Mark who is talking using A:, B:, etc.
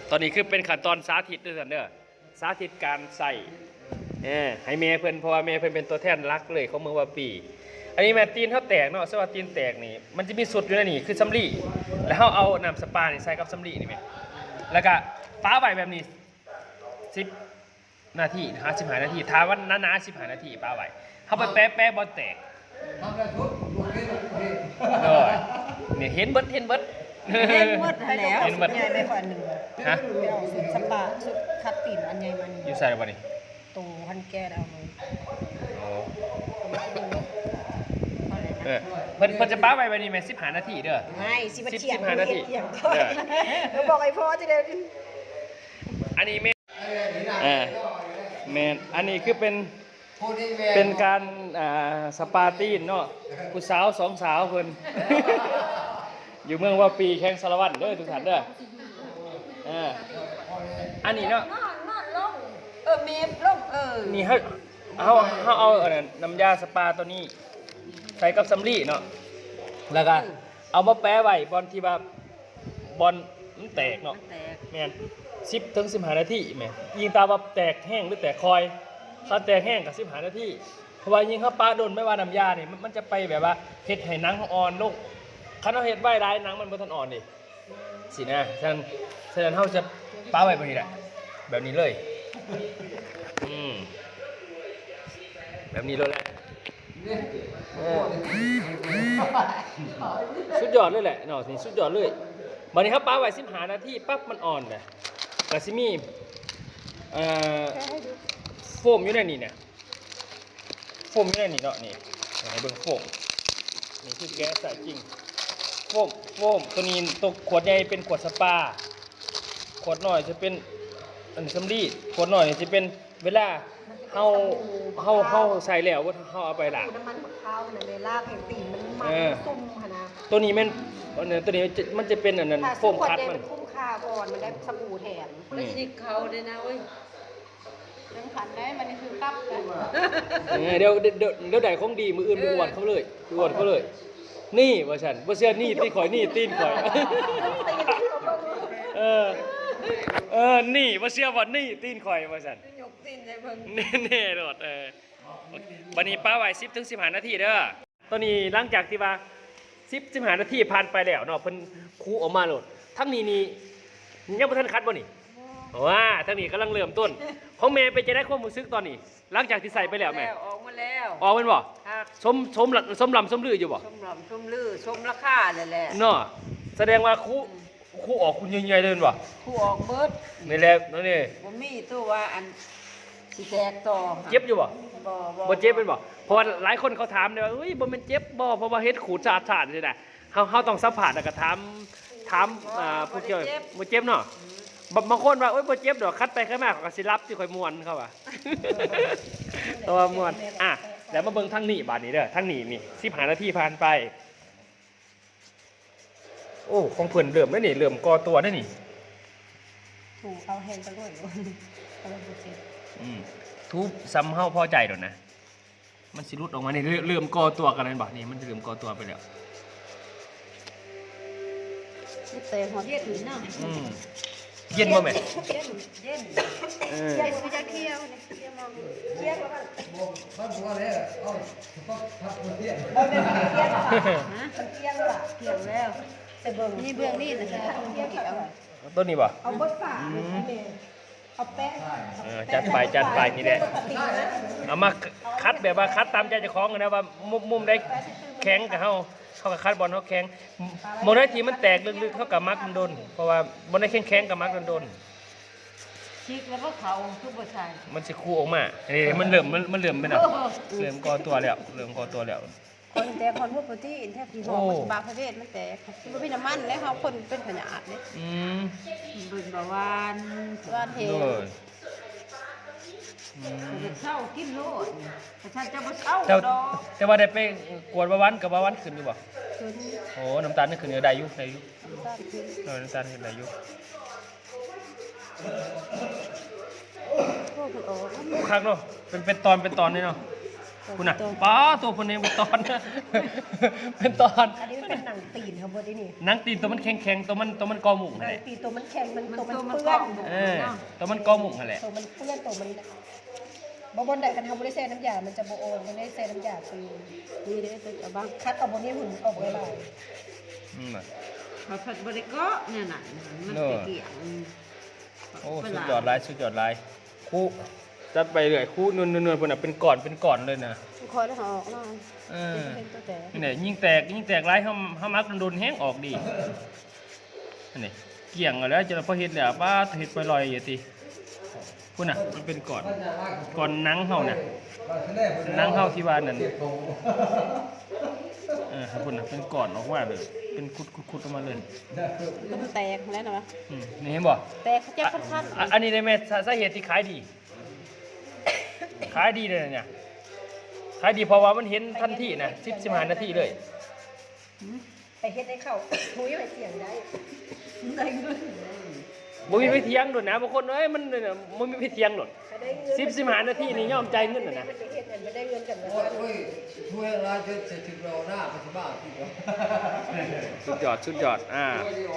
A: ตอนนี้คือเป็นขั้นตอนสาธิตด้วยกันเด้อสาธิตการใส่ให้เมย์เพิ่นเพราะว่าเมย์เพิ่นเป็นตัวแทนรักเลยของเมืองวาปีอันนี้แม่ตีนเขาแตกเนาะสวัสดีตีนแตกนี่มันจะมีสุดอยู่ในนี่คือสำลีแล้วเขาเอาน้ำสปานี่ใส่กับสำลีนี่แม่แล้วก็ฟ้าใบแบบนี้10 นาที55 นาทีถ้าวันนั้นนะ15 นาทีฟ้าใบเขาไปแป๊ะบอลแตกเลยเนี่ยเห็นเบิด
B: เห็นหมดแล้วสุดใหญ่ไปกว่าหนึ่งฮะเอาสุดสปาสุดคัดตีนอันใหญ่มานี่
A: อยู่ใส่บ่นี่
B: ตรงพันแก้เอาเลย
A: เพิ่นจะป้าไปนี่แม่15 นาทีเด้อ
B: ไม่
A: 15 นาที
B: เขาบอกไอ้พ่อจะได้
A: อันนี้แม่อันนี้คือเป็นการสปาตีนเนาะผู้สาว2 สาวเพิ่นอยู่เมืองว่าปีแข่งสารวัตรเด้อทุกท่านเด้ออันนี้เนาะ
B: เมฟลง
A: นี่เขาเอาน้ำยาสปาตัวนี้ใส่กับสำลีเนาะแล้วก็เอามาแปะไว้บอลที่ว่าบอลมันแตกเนาะแม่น10 ถึง 15 นาทีแม่ยิงตาว่าแตกแห้งหรือแตกคอยถ้าแตกแห้งกับ15 นาทีเพราะว่ายิงเขาปาโดนไม่ว่าน้ำยาเนี่ยมันจะไปแบบว่าเฮ็ดให้หนังอ่อนลงคันเอาเฮ็ดไว้ได้หนังมันบ่ทันอ่อนดิสินะฉะนั้นเขาจะปาไว้แบบนี้แหละแบบนี้เลยแบบนี้เลยแหละสุดยอดเลยแหละเนาะนี่สุดยอดเลยบัดนี้ครับปาไว้15 นาทีปั๊บมันอ่อนเลยกะสิมีโฟมอยู่ในนี่เนี่ยโฟมอยู่ในนี่เนาะนี่ให้เบิ่งโฟมนี่คือแก๊สใส่จริงโฟมตัวนี้ตัวขวดใหญ่เป็นขวดสปาขวดน้อยจะเป็นอันสำลีขวดน้อยจะเป็นเวลาเฮาใส่แล้วว่าเฮาเอาไปล้าง
B: น้ำมันมะพร้าวน่ะเวลาแผ่นตีนมันซุ่มหั่นนะ
A: ตัวนี้ตัวนี้มันจะเป็นอันนั้นโฟมคัดมัน
B: คุ้มค่าก่อนมันได้สบู่แถม
C: ไม่ใช่เขาเลยนะเว้ย
B: ยังขันได้มันนี่คือกับกัน
A: เดี๋ยวได้ของดีมืออื่นไปอวดเขาเลยนี่ว่าฉันว่าเชื่อนี่ตีนข่อยนี่ตีนข่อยนี่ว่าเชื่อว่านี่ตีนข่อยว่าฉัน
B: ยกตีนได้เบิ่ง
A: แน่ๆโดดวันนี้ป้าไว้10 ถึง 15 นาทีเด้อตอนนี้หลังจากที่ว่า10 15 นาทีผ่านไปแล้วเนาะเพิ่นคูออกมาโหลดทั้งนี้ยังบ่ทันคัดบ่นี่ว้าทั้งนี้กำลังเริ่มต้นของแม่ไปจะได้ความรู้สึกตอนนี้หลังจากที่ใส่ไปแล้วแม่
C: ออกมาแล้ว
A: ออกเป็นบ่สมลำสมลืออยู่บ่
C: สมลือสมราคาเลยแหละ
A: เนาะแสดงว่าคูออกคุณใหญ่ๆเลยบ่
C: คูออกเบิด
A: นี่แหละนี่
C: บ่มีตัวว่าอันสิแตกต่อ
A: เจ็บอยู่บ่บ่เจ็บเป็นบ่เพราะว่าหลายคนเขาถามเลยว่าเฮ้ยบ่แม่นเจ็บบ่เพราะว่าเฮ็ดขูดสะอาดๆนี่นะเฮาต้องสัมผัสแล้วก็ถามผู้เกี่ยวบ่เจ็บเนาะบางคนว่าโอ๊ยบ่เจ็บดอกคัดไปคัดมาเขาก็สิรับสิค่อยม่วนเขาว่าตัวม่วนแล้วมาเบิ่งทางนี้บาดนี้เด้อทางนี้นี่15 นาทีผ่านไปโอ้ของเพิ่นเริ่มแล้วนี่เริ่มก่อตัวแล้วนี่
B: ถูเอาแห้งไปด้วยเอาไปเจ็บ
A: ทุบซ้ำเฮาพอใจดอกนะมันสิรุดออกมานี่เริ่มก่อตัวกันแล้วบ่นี่มันเริ่มก่อตัวไปแล้ว
B: เตะหัวเทียดถึงเนาะ
A: เย็นบ่แม่
B: เย็นไม่จะเคี่ยวเนี่ยเคี่ยวมองเคี่ยวแล้วมันบ่ได้เอาพักเที่ยงบ่ได้เคี่ยวป่ะเคี่ยวล่ะเคี่ยวแล้วแต่เบิ่งนี่เบื้องนี่นะจ๊ะเคี่ยวกี่เอา
A: ต้นนี้บ่
B: เอาเบิดฝาเอาแป้ง
A: จัดไปนี่แหละเอามาคัดแบบว่าคัดตามใจเจ้าของนะว่ามุมได้แข็งกับเฮากับคัดบอลเขาแข็งโมได้ทีมันแตกลึกๆเขากับมักโดนเพราะว่าบอลได้แข็งกับมักโดน
C: ชิกแล้วก็เขาทุกประชา
A: มันจะคู่ออกมานี่มันเริ่มไปหน่อยเริ่มก่อตัวแล้ว
B: คนแต่คนพวกที่อินแทบที่บอกบางประเภทมันแต่ที่มันเป็นน้ำมันแล้วเขาคนเป็นขยะเนี่ย
C: เป็นบาวาน
B: เท
C: เช่ากินโลดแต่ฉันจะมาเช่าดอก
A: แต่ว่าได้ไปกวดบาวันกับาวันขึ้นอยู่บ่โอ้น้ำตาลนี่ขึ้นได้อยู่น้ำตาลขึ้นได้อยู่ครั้งเนาะเป็นตอนนี่เนาะคุณน่ะป้าตัวคนนี้เป็นตอน เป็นตอน
B: อันนี้มันเป็นหนังตีนครับบดนี่
A: หนังตีนตัวมันแข็งๆตัวมันกอหมุก
B: ห
A: นั่
B: นั
A: น
B: ง
A: แหละ
B: ตีนตัวมันแข็งมันตัวมัน
C: มัน
B: เปื้อน
A: เออตัวมันกอหมุกนั่นแหละ
B: ตัวมันเปื้อนตัวมันบนใดกันทำบริเซน้ำยามันจะโบโอนมันได้เซน้ำยาตี
C: นี่เด้อจะบ้าง
B: คัดเอาบนนี้หุ่นออกไว้ลาย
A: อืม
C: พอผัดบริก็เนี่ยน่ะมันไปเกี่ยง
A: โอ้สุดยอดหลายสุดยอดหลายคู่จัดไปเรื่อยคู่นวลๆพุ่นน่ะเป็นก่อนเลยนะ
B: คอยแล้วออกหน่อย
A: เออ
B: เป็นตัวแต่
A: นี่แหละยิ่งแตกหลายเฮามักโดนแห้งออกดีนี่เกี่ยงเอาแล้วจะพอเฮ็ดแล้วป้าเฮ็ดไปลอยอยู่ติพุ่นน่ะมันเป็นก่อนหนังเฮาน่ะหนังเฮาที่ว่านั่นพุ่นน่ะเป็นก่อนออกมาเลยเป็นคุดๆออกมาเลย
B: มันแตกแล้วนะ
A: นี่เห็นบ่
B: แตกเขาจะขั้น
A: อันนี้ได้แม่สาเหตุที่ขายดี ขายดีเลยเนี่ยขายดีเพราะว่ามันเห็นทันทีนะ15 นาทีเลย
B: ไปเฮ็ดให้เข้าหุยไปเสียงได้
C: ได้เงิน
A: บ่มีไปเถียงโดดนะบางคนเอ้ยมันเนี่ยบ่มีไปเถียงโดด
B: ไปได้เงิน
A: 15 นาทีนี่ยอมใจายเงินน่ะนะ
B: มันไปเฮ็ดมันไปได้เงินกันนะ
D: โอ้ยช่วยอะไรจะถึงเราหน้าปัจจุบันที่
A: สุดยอด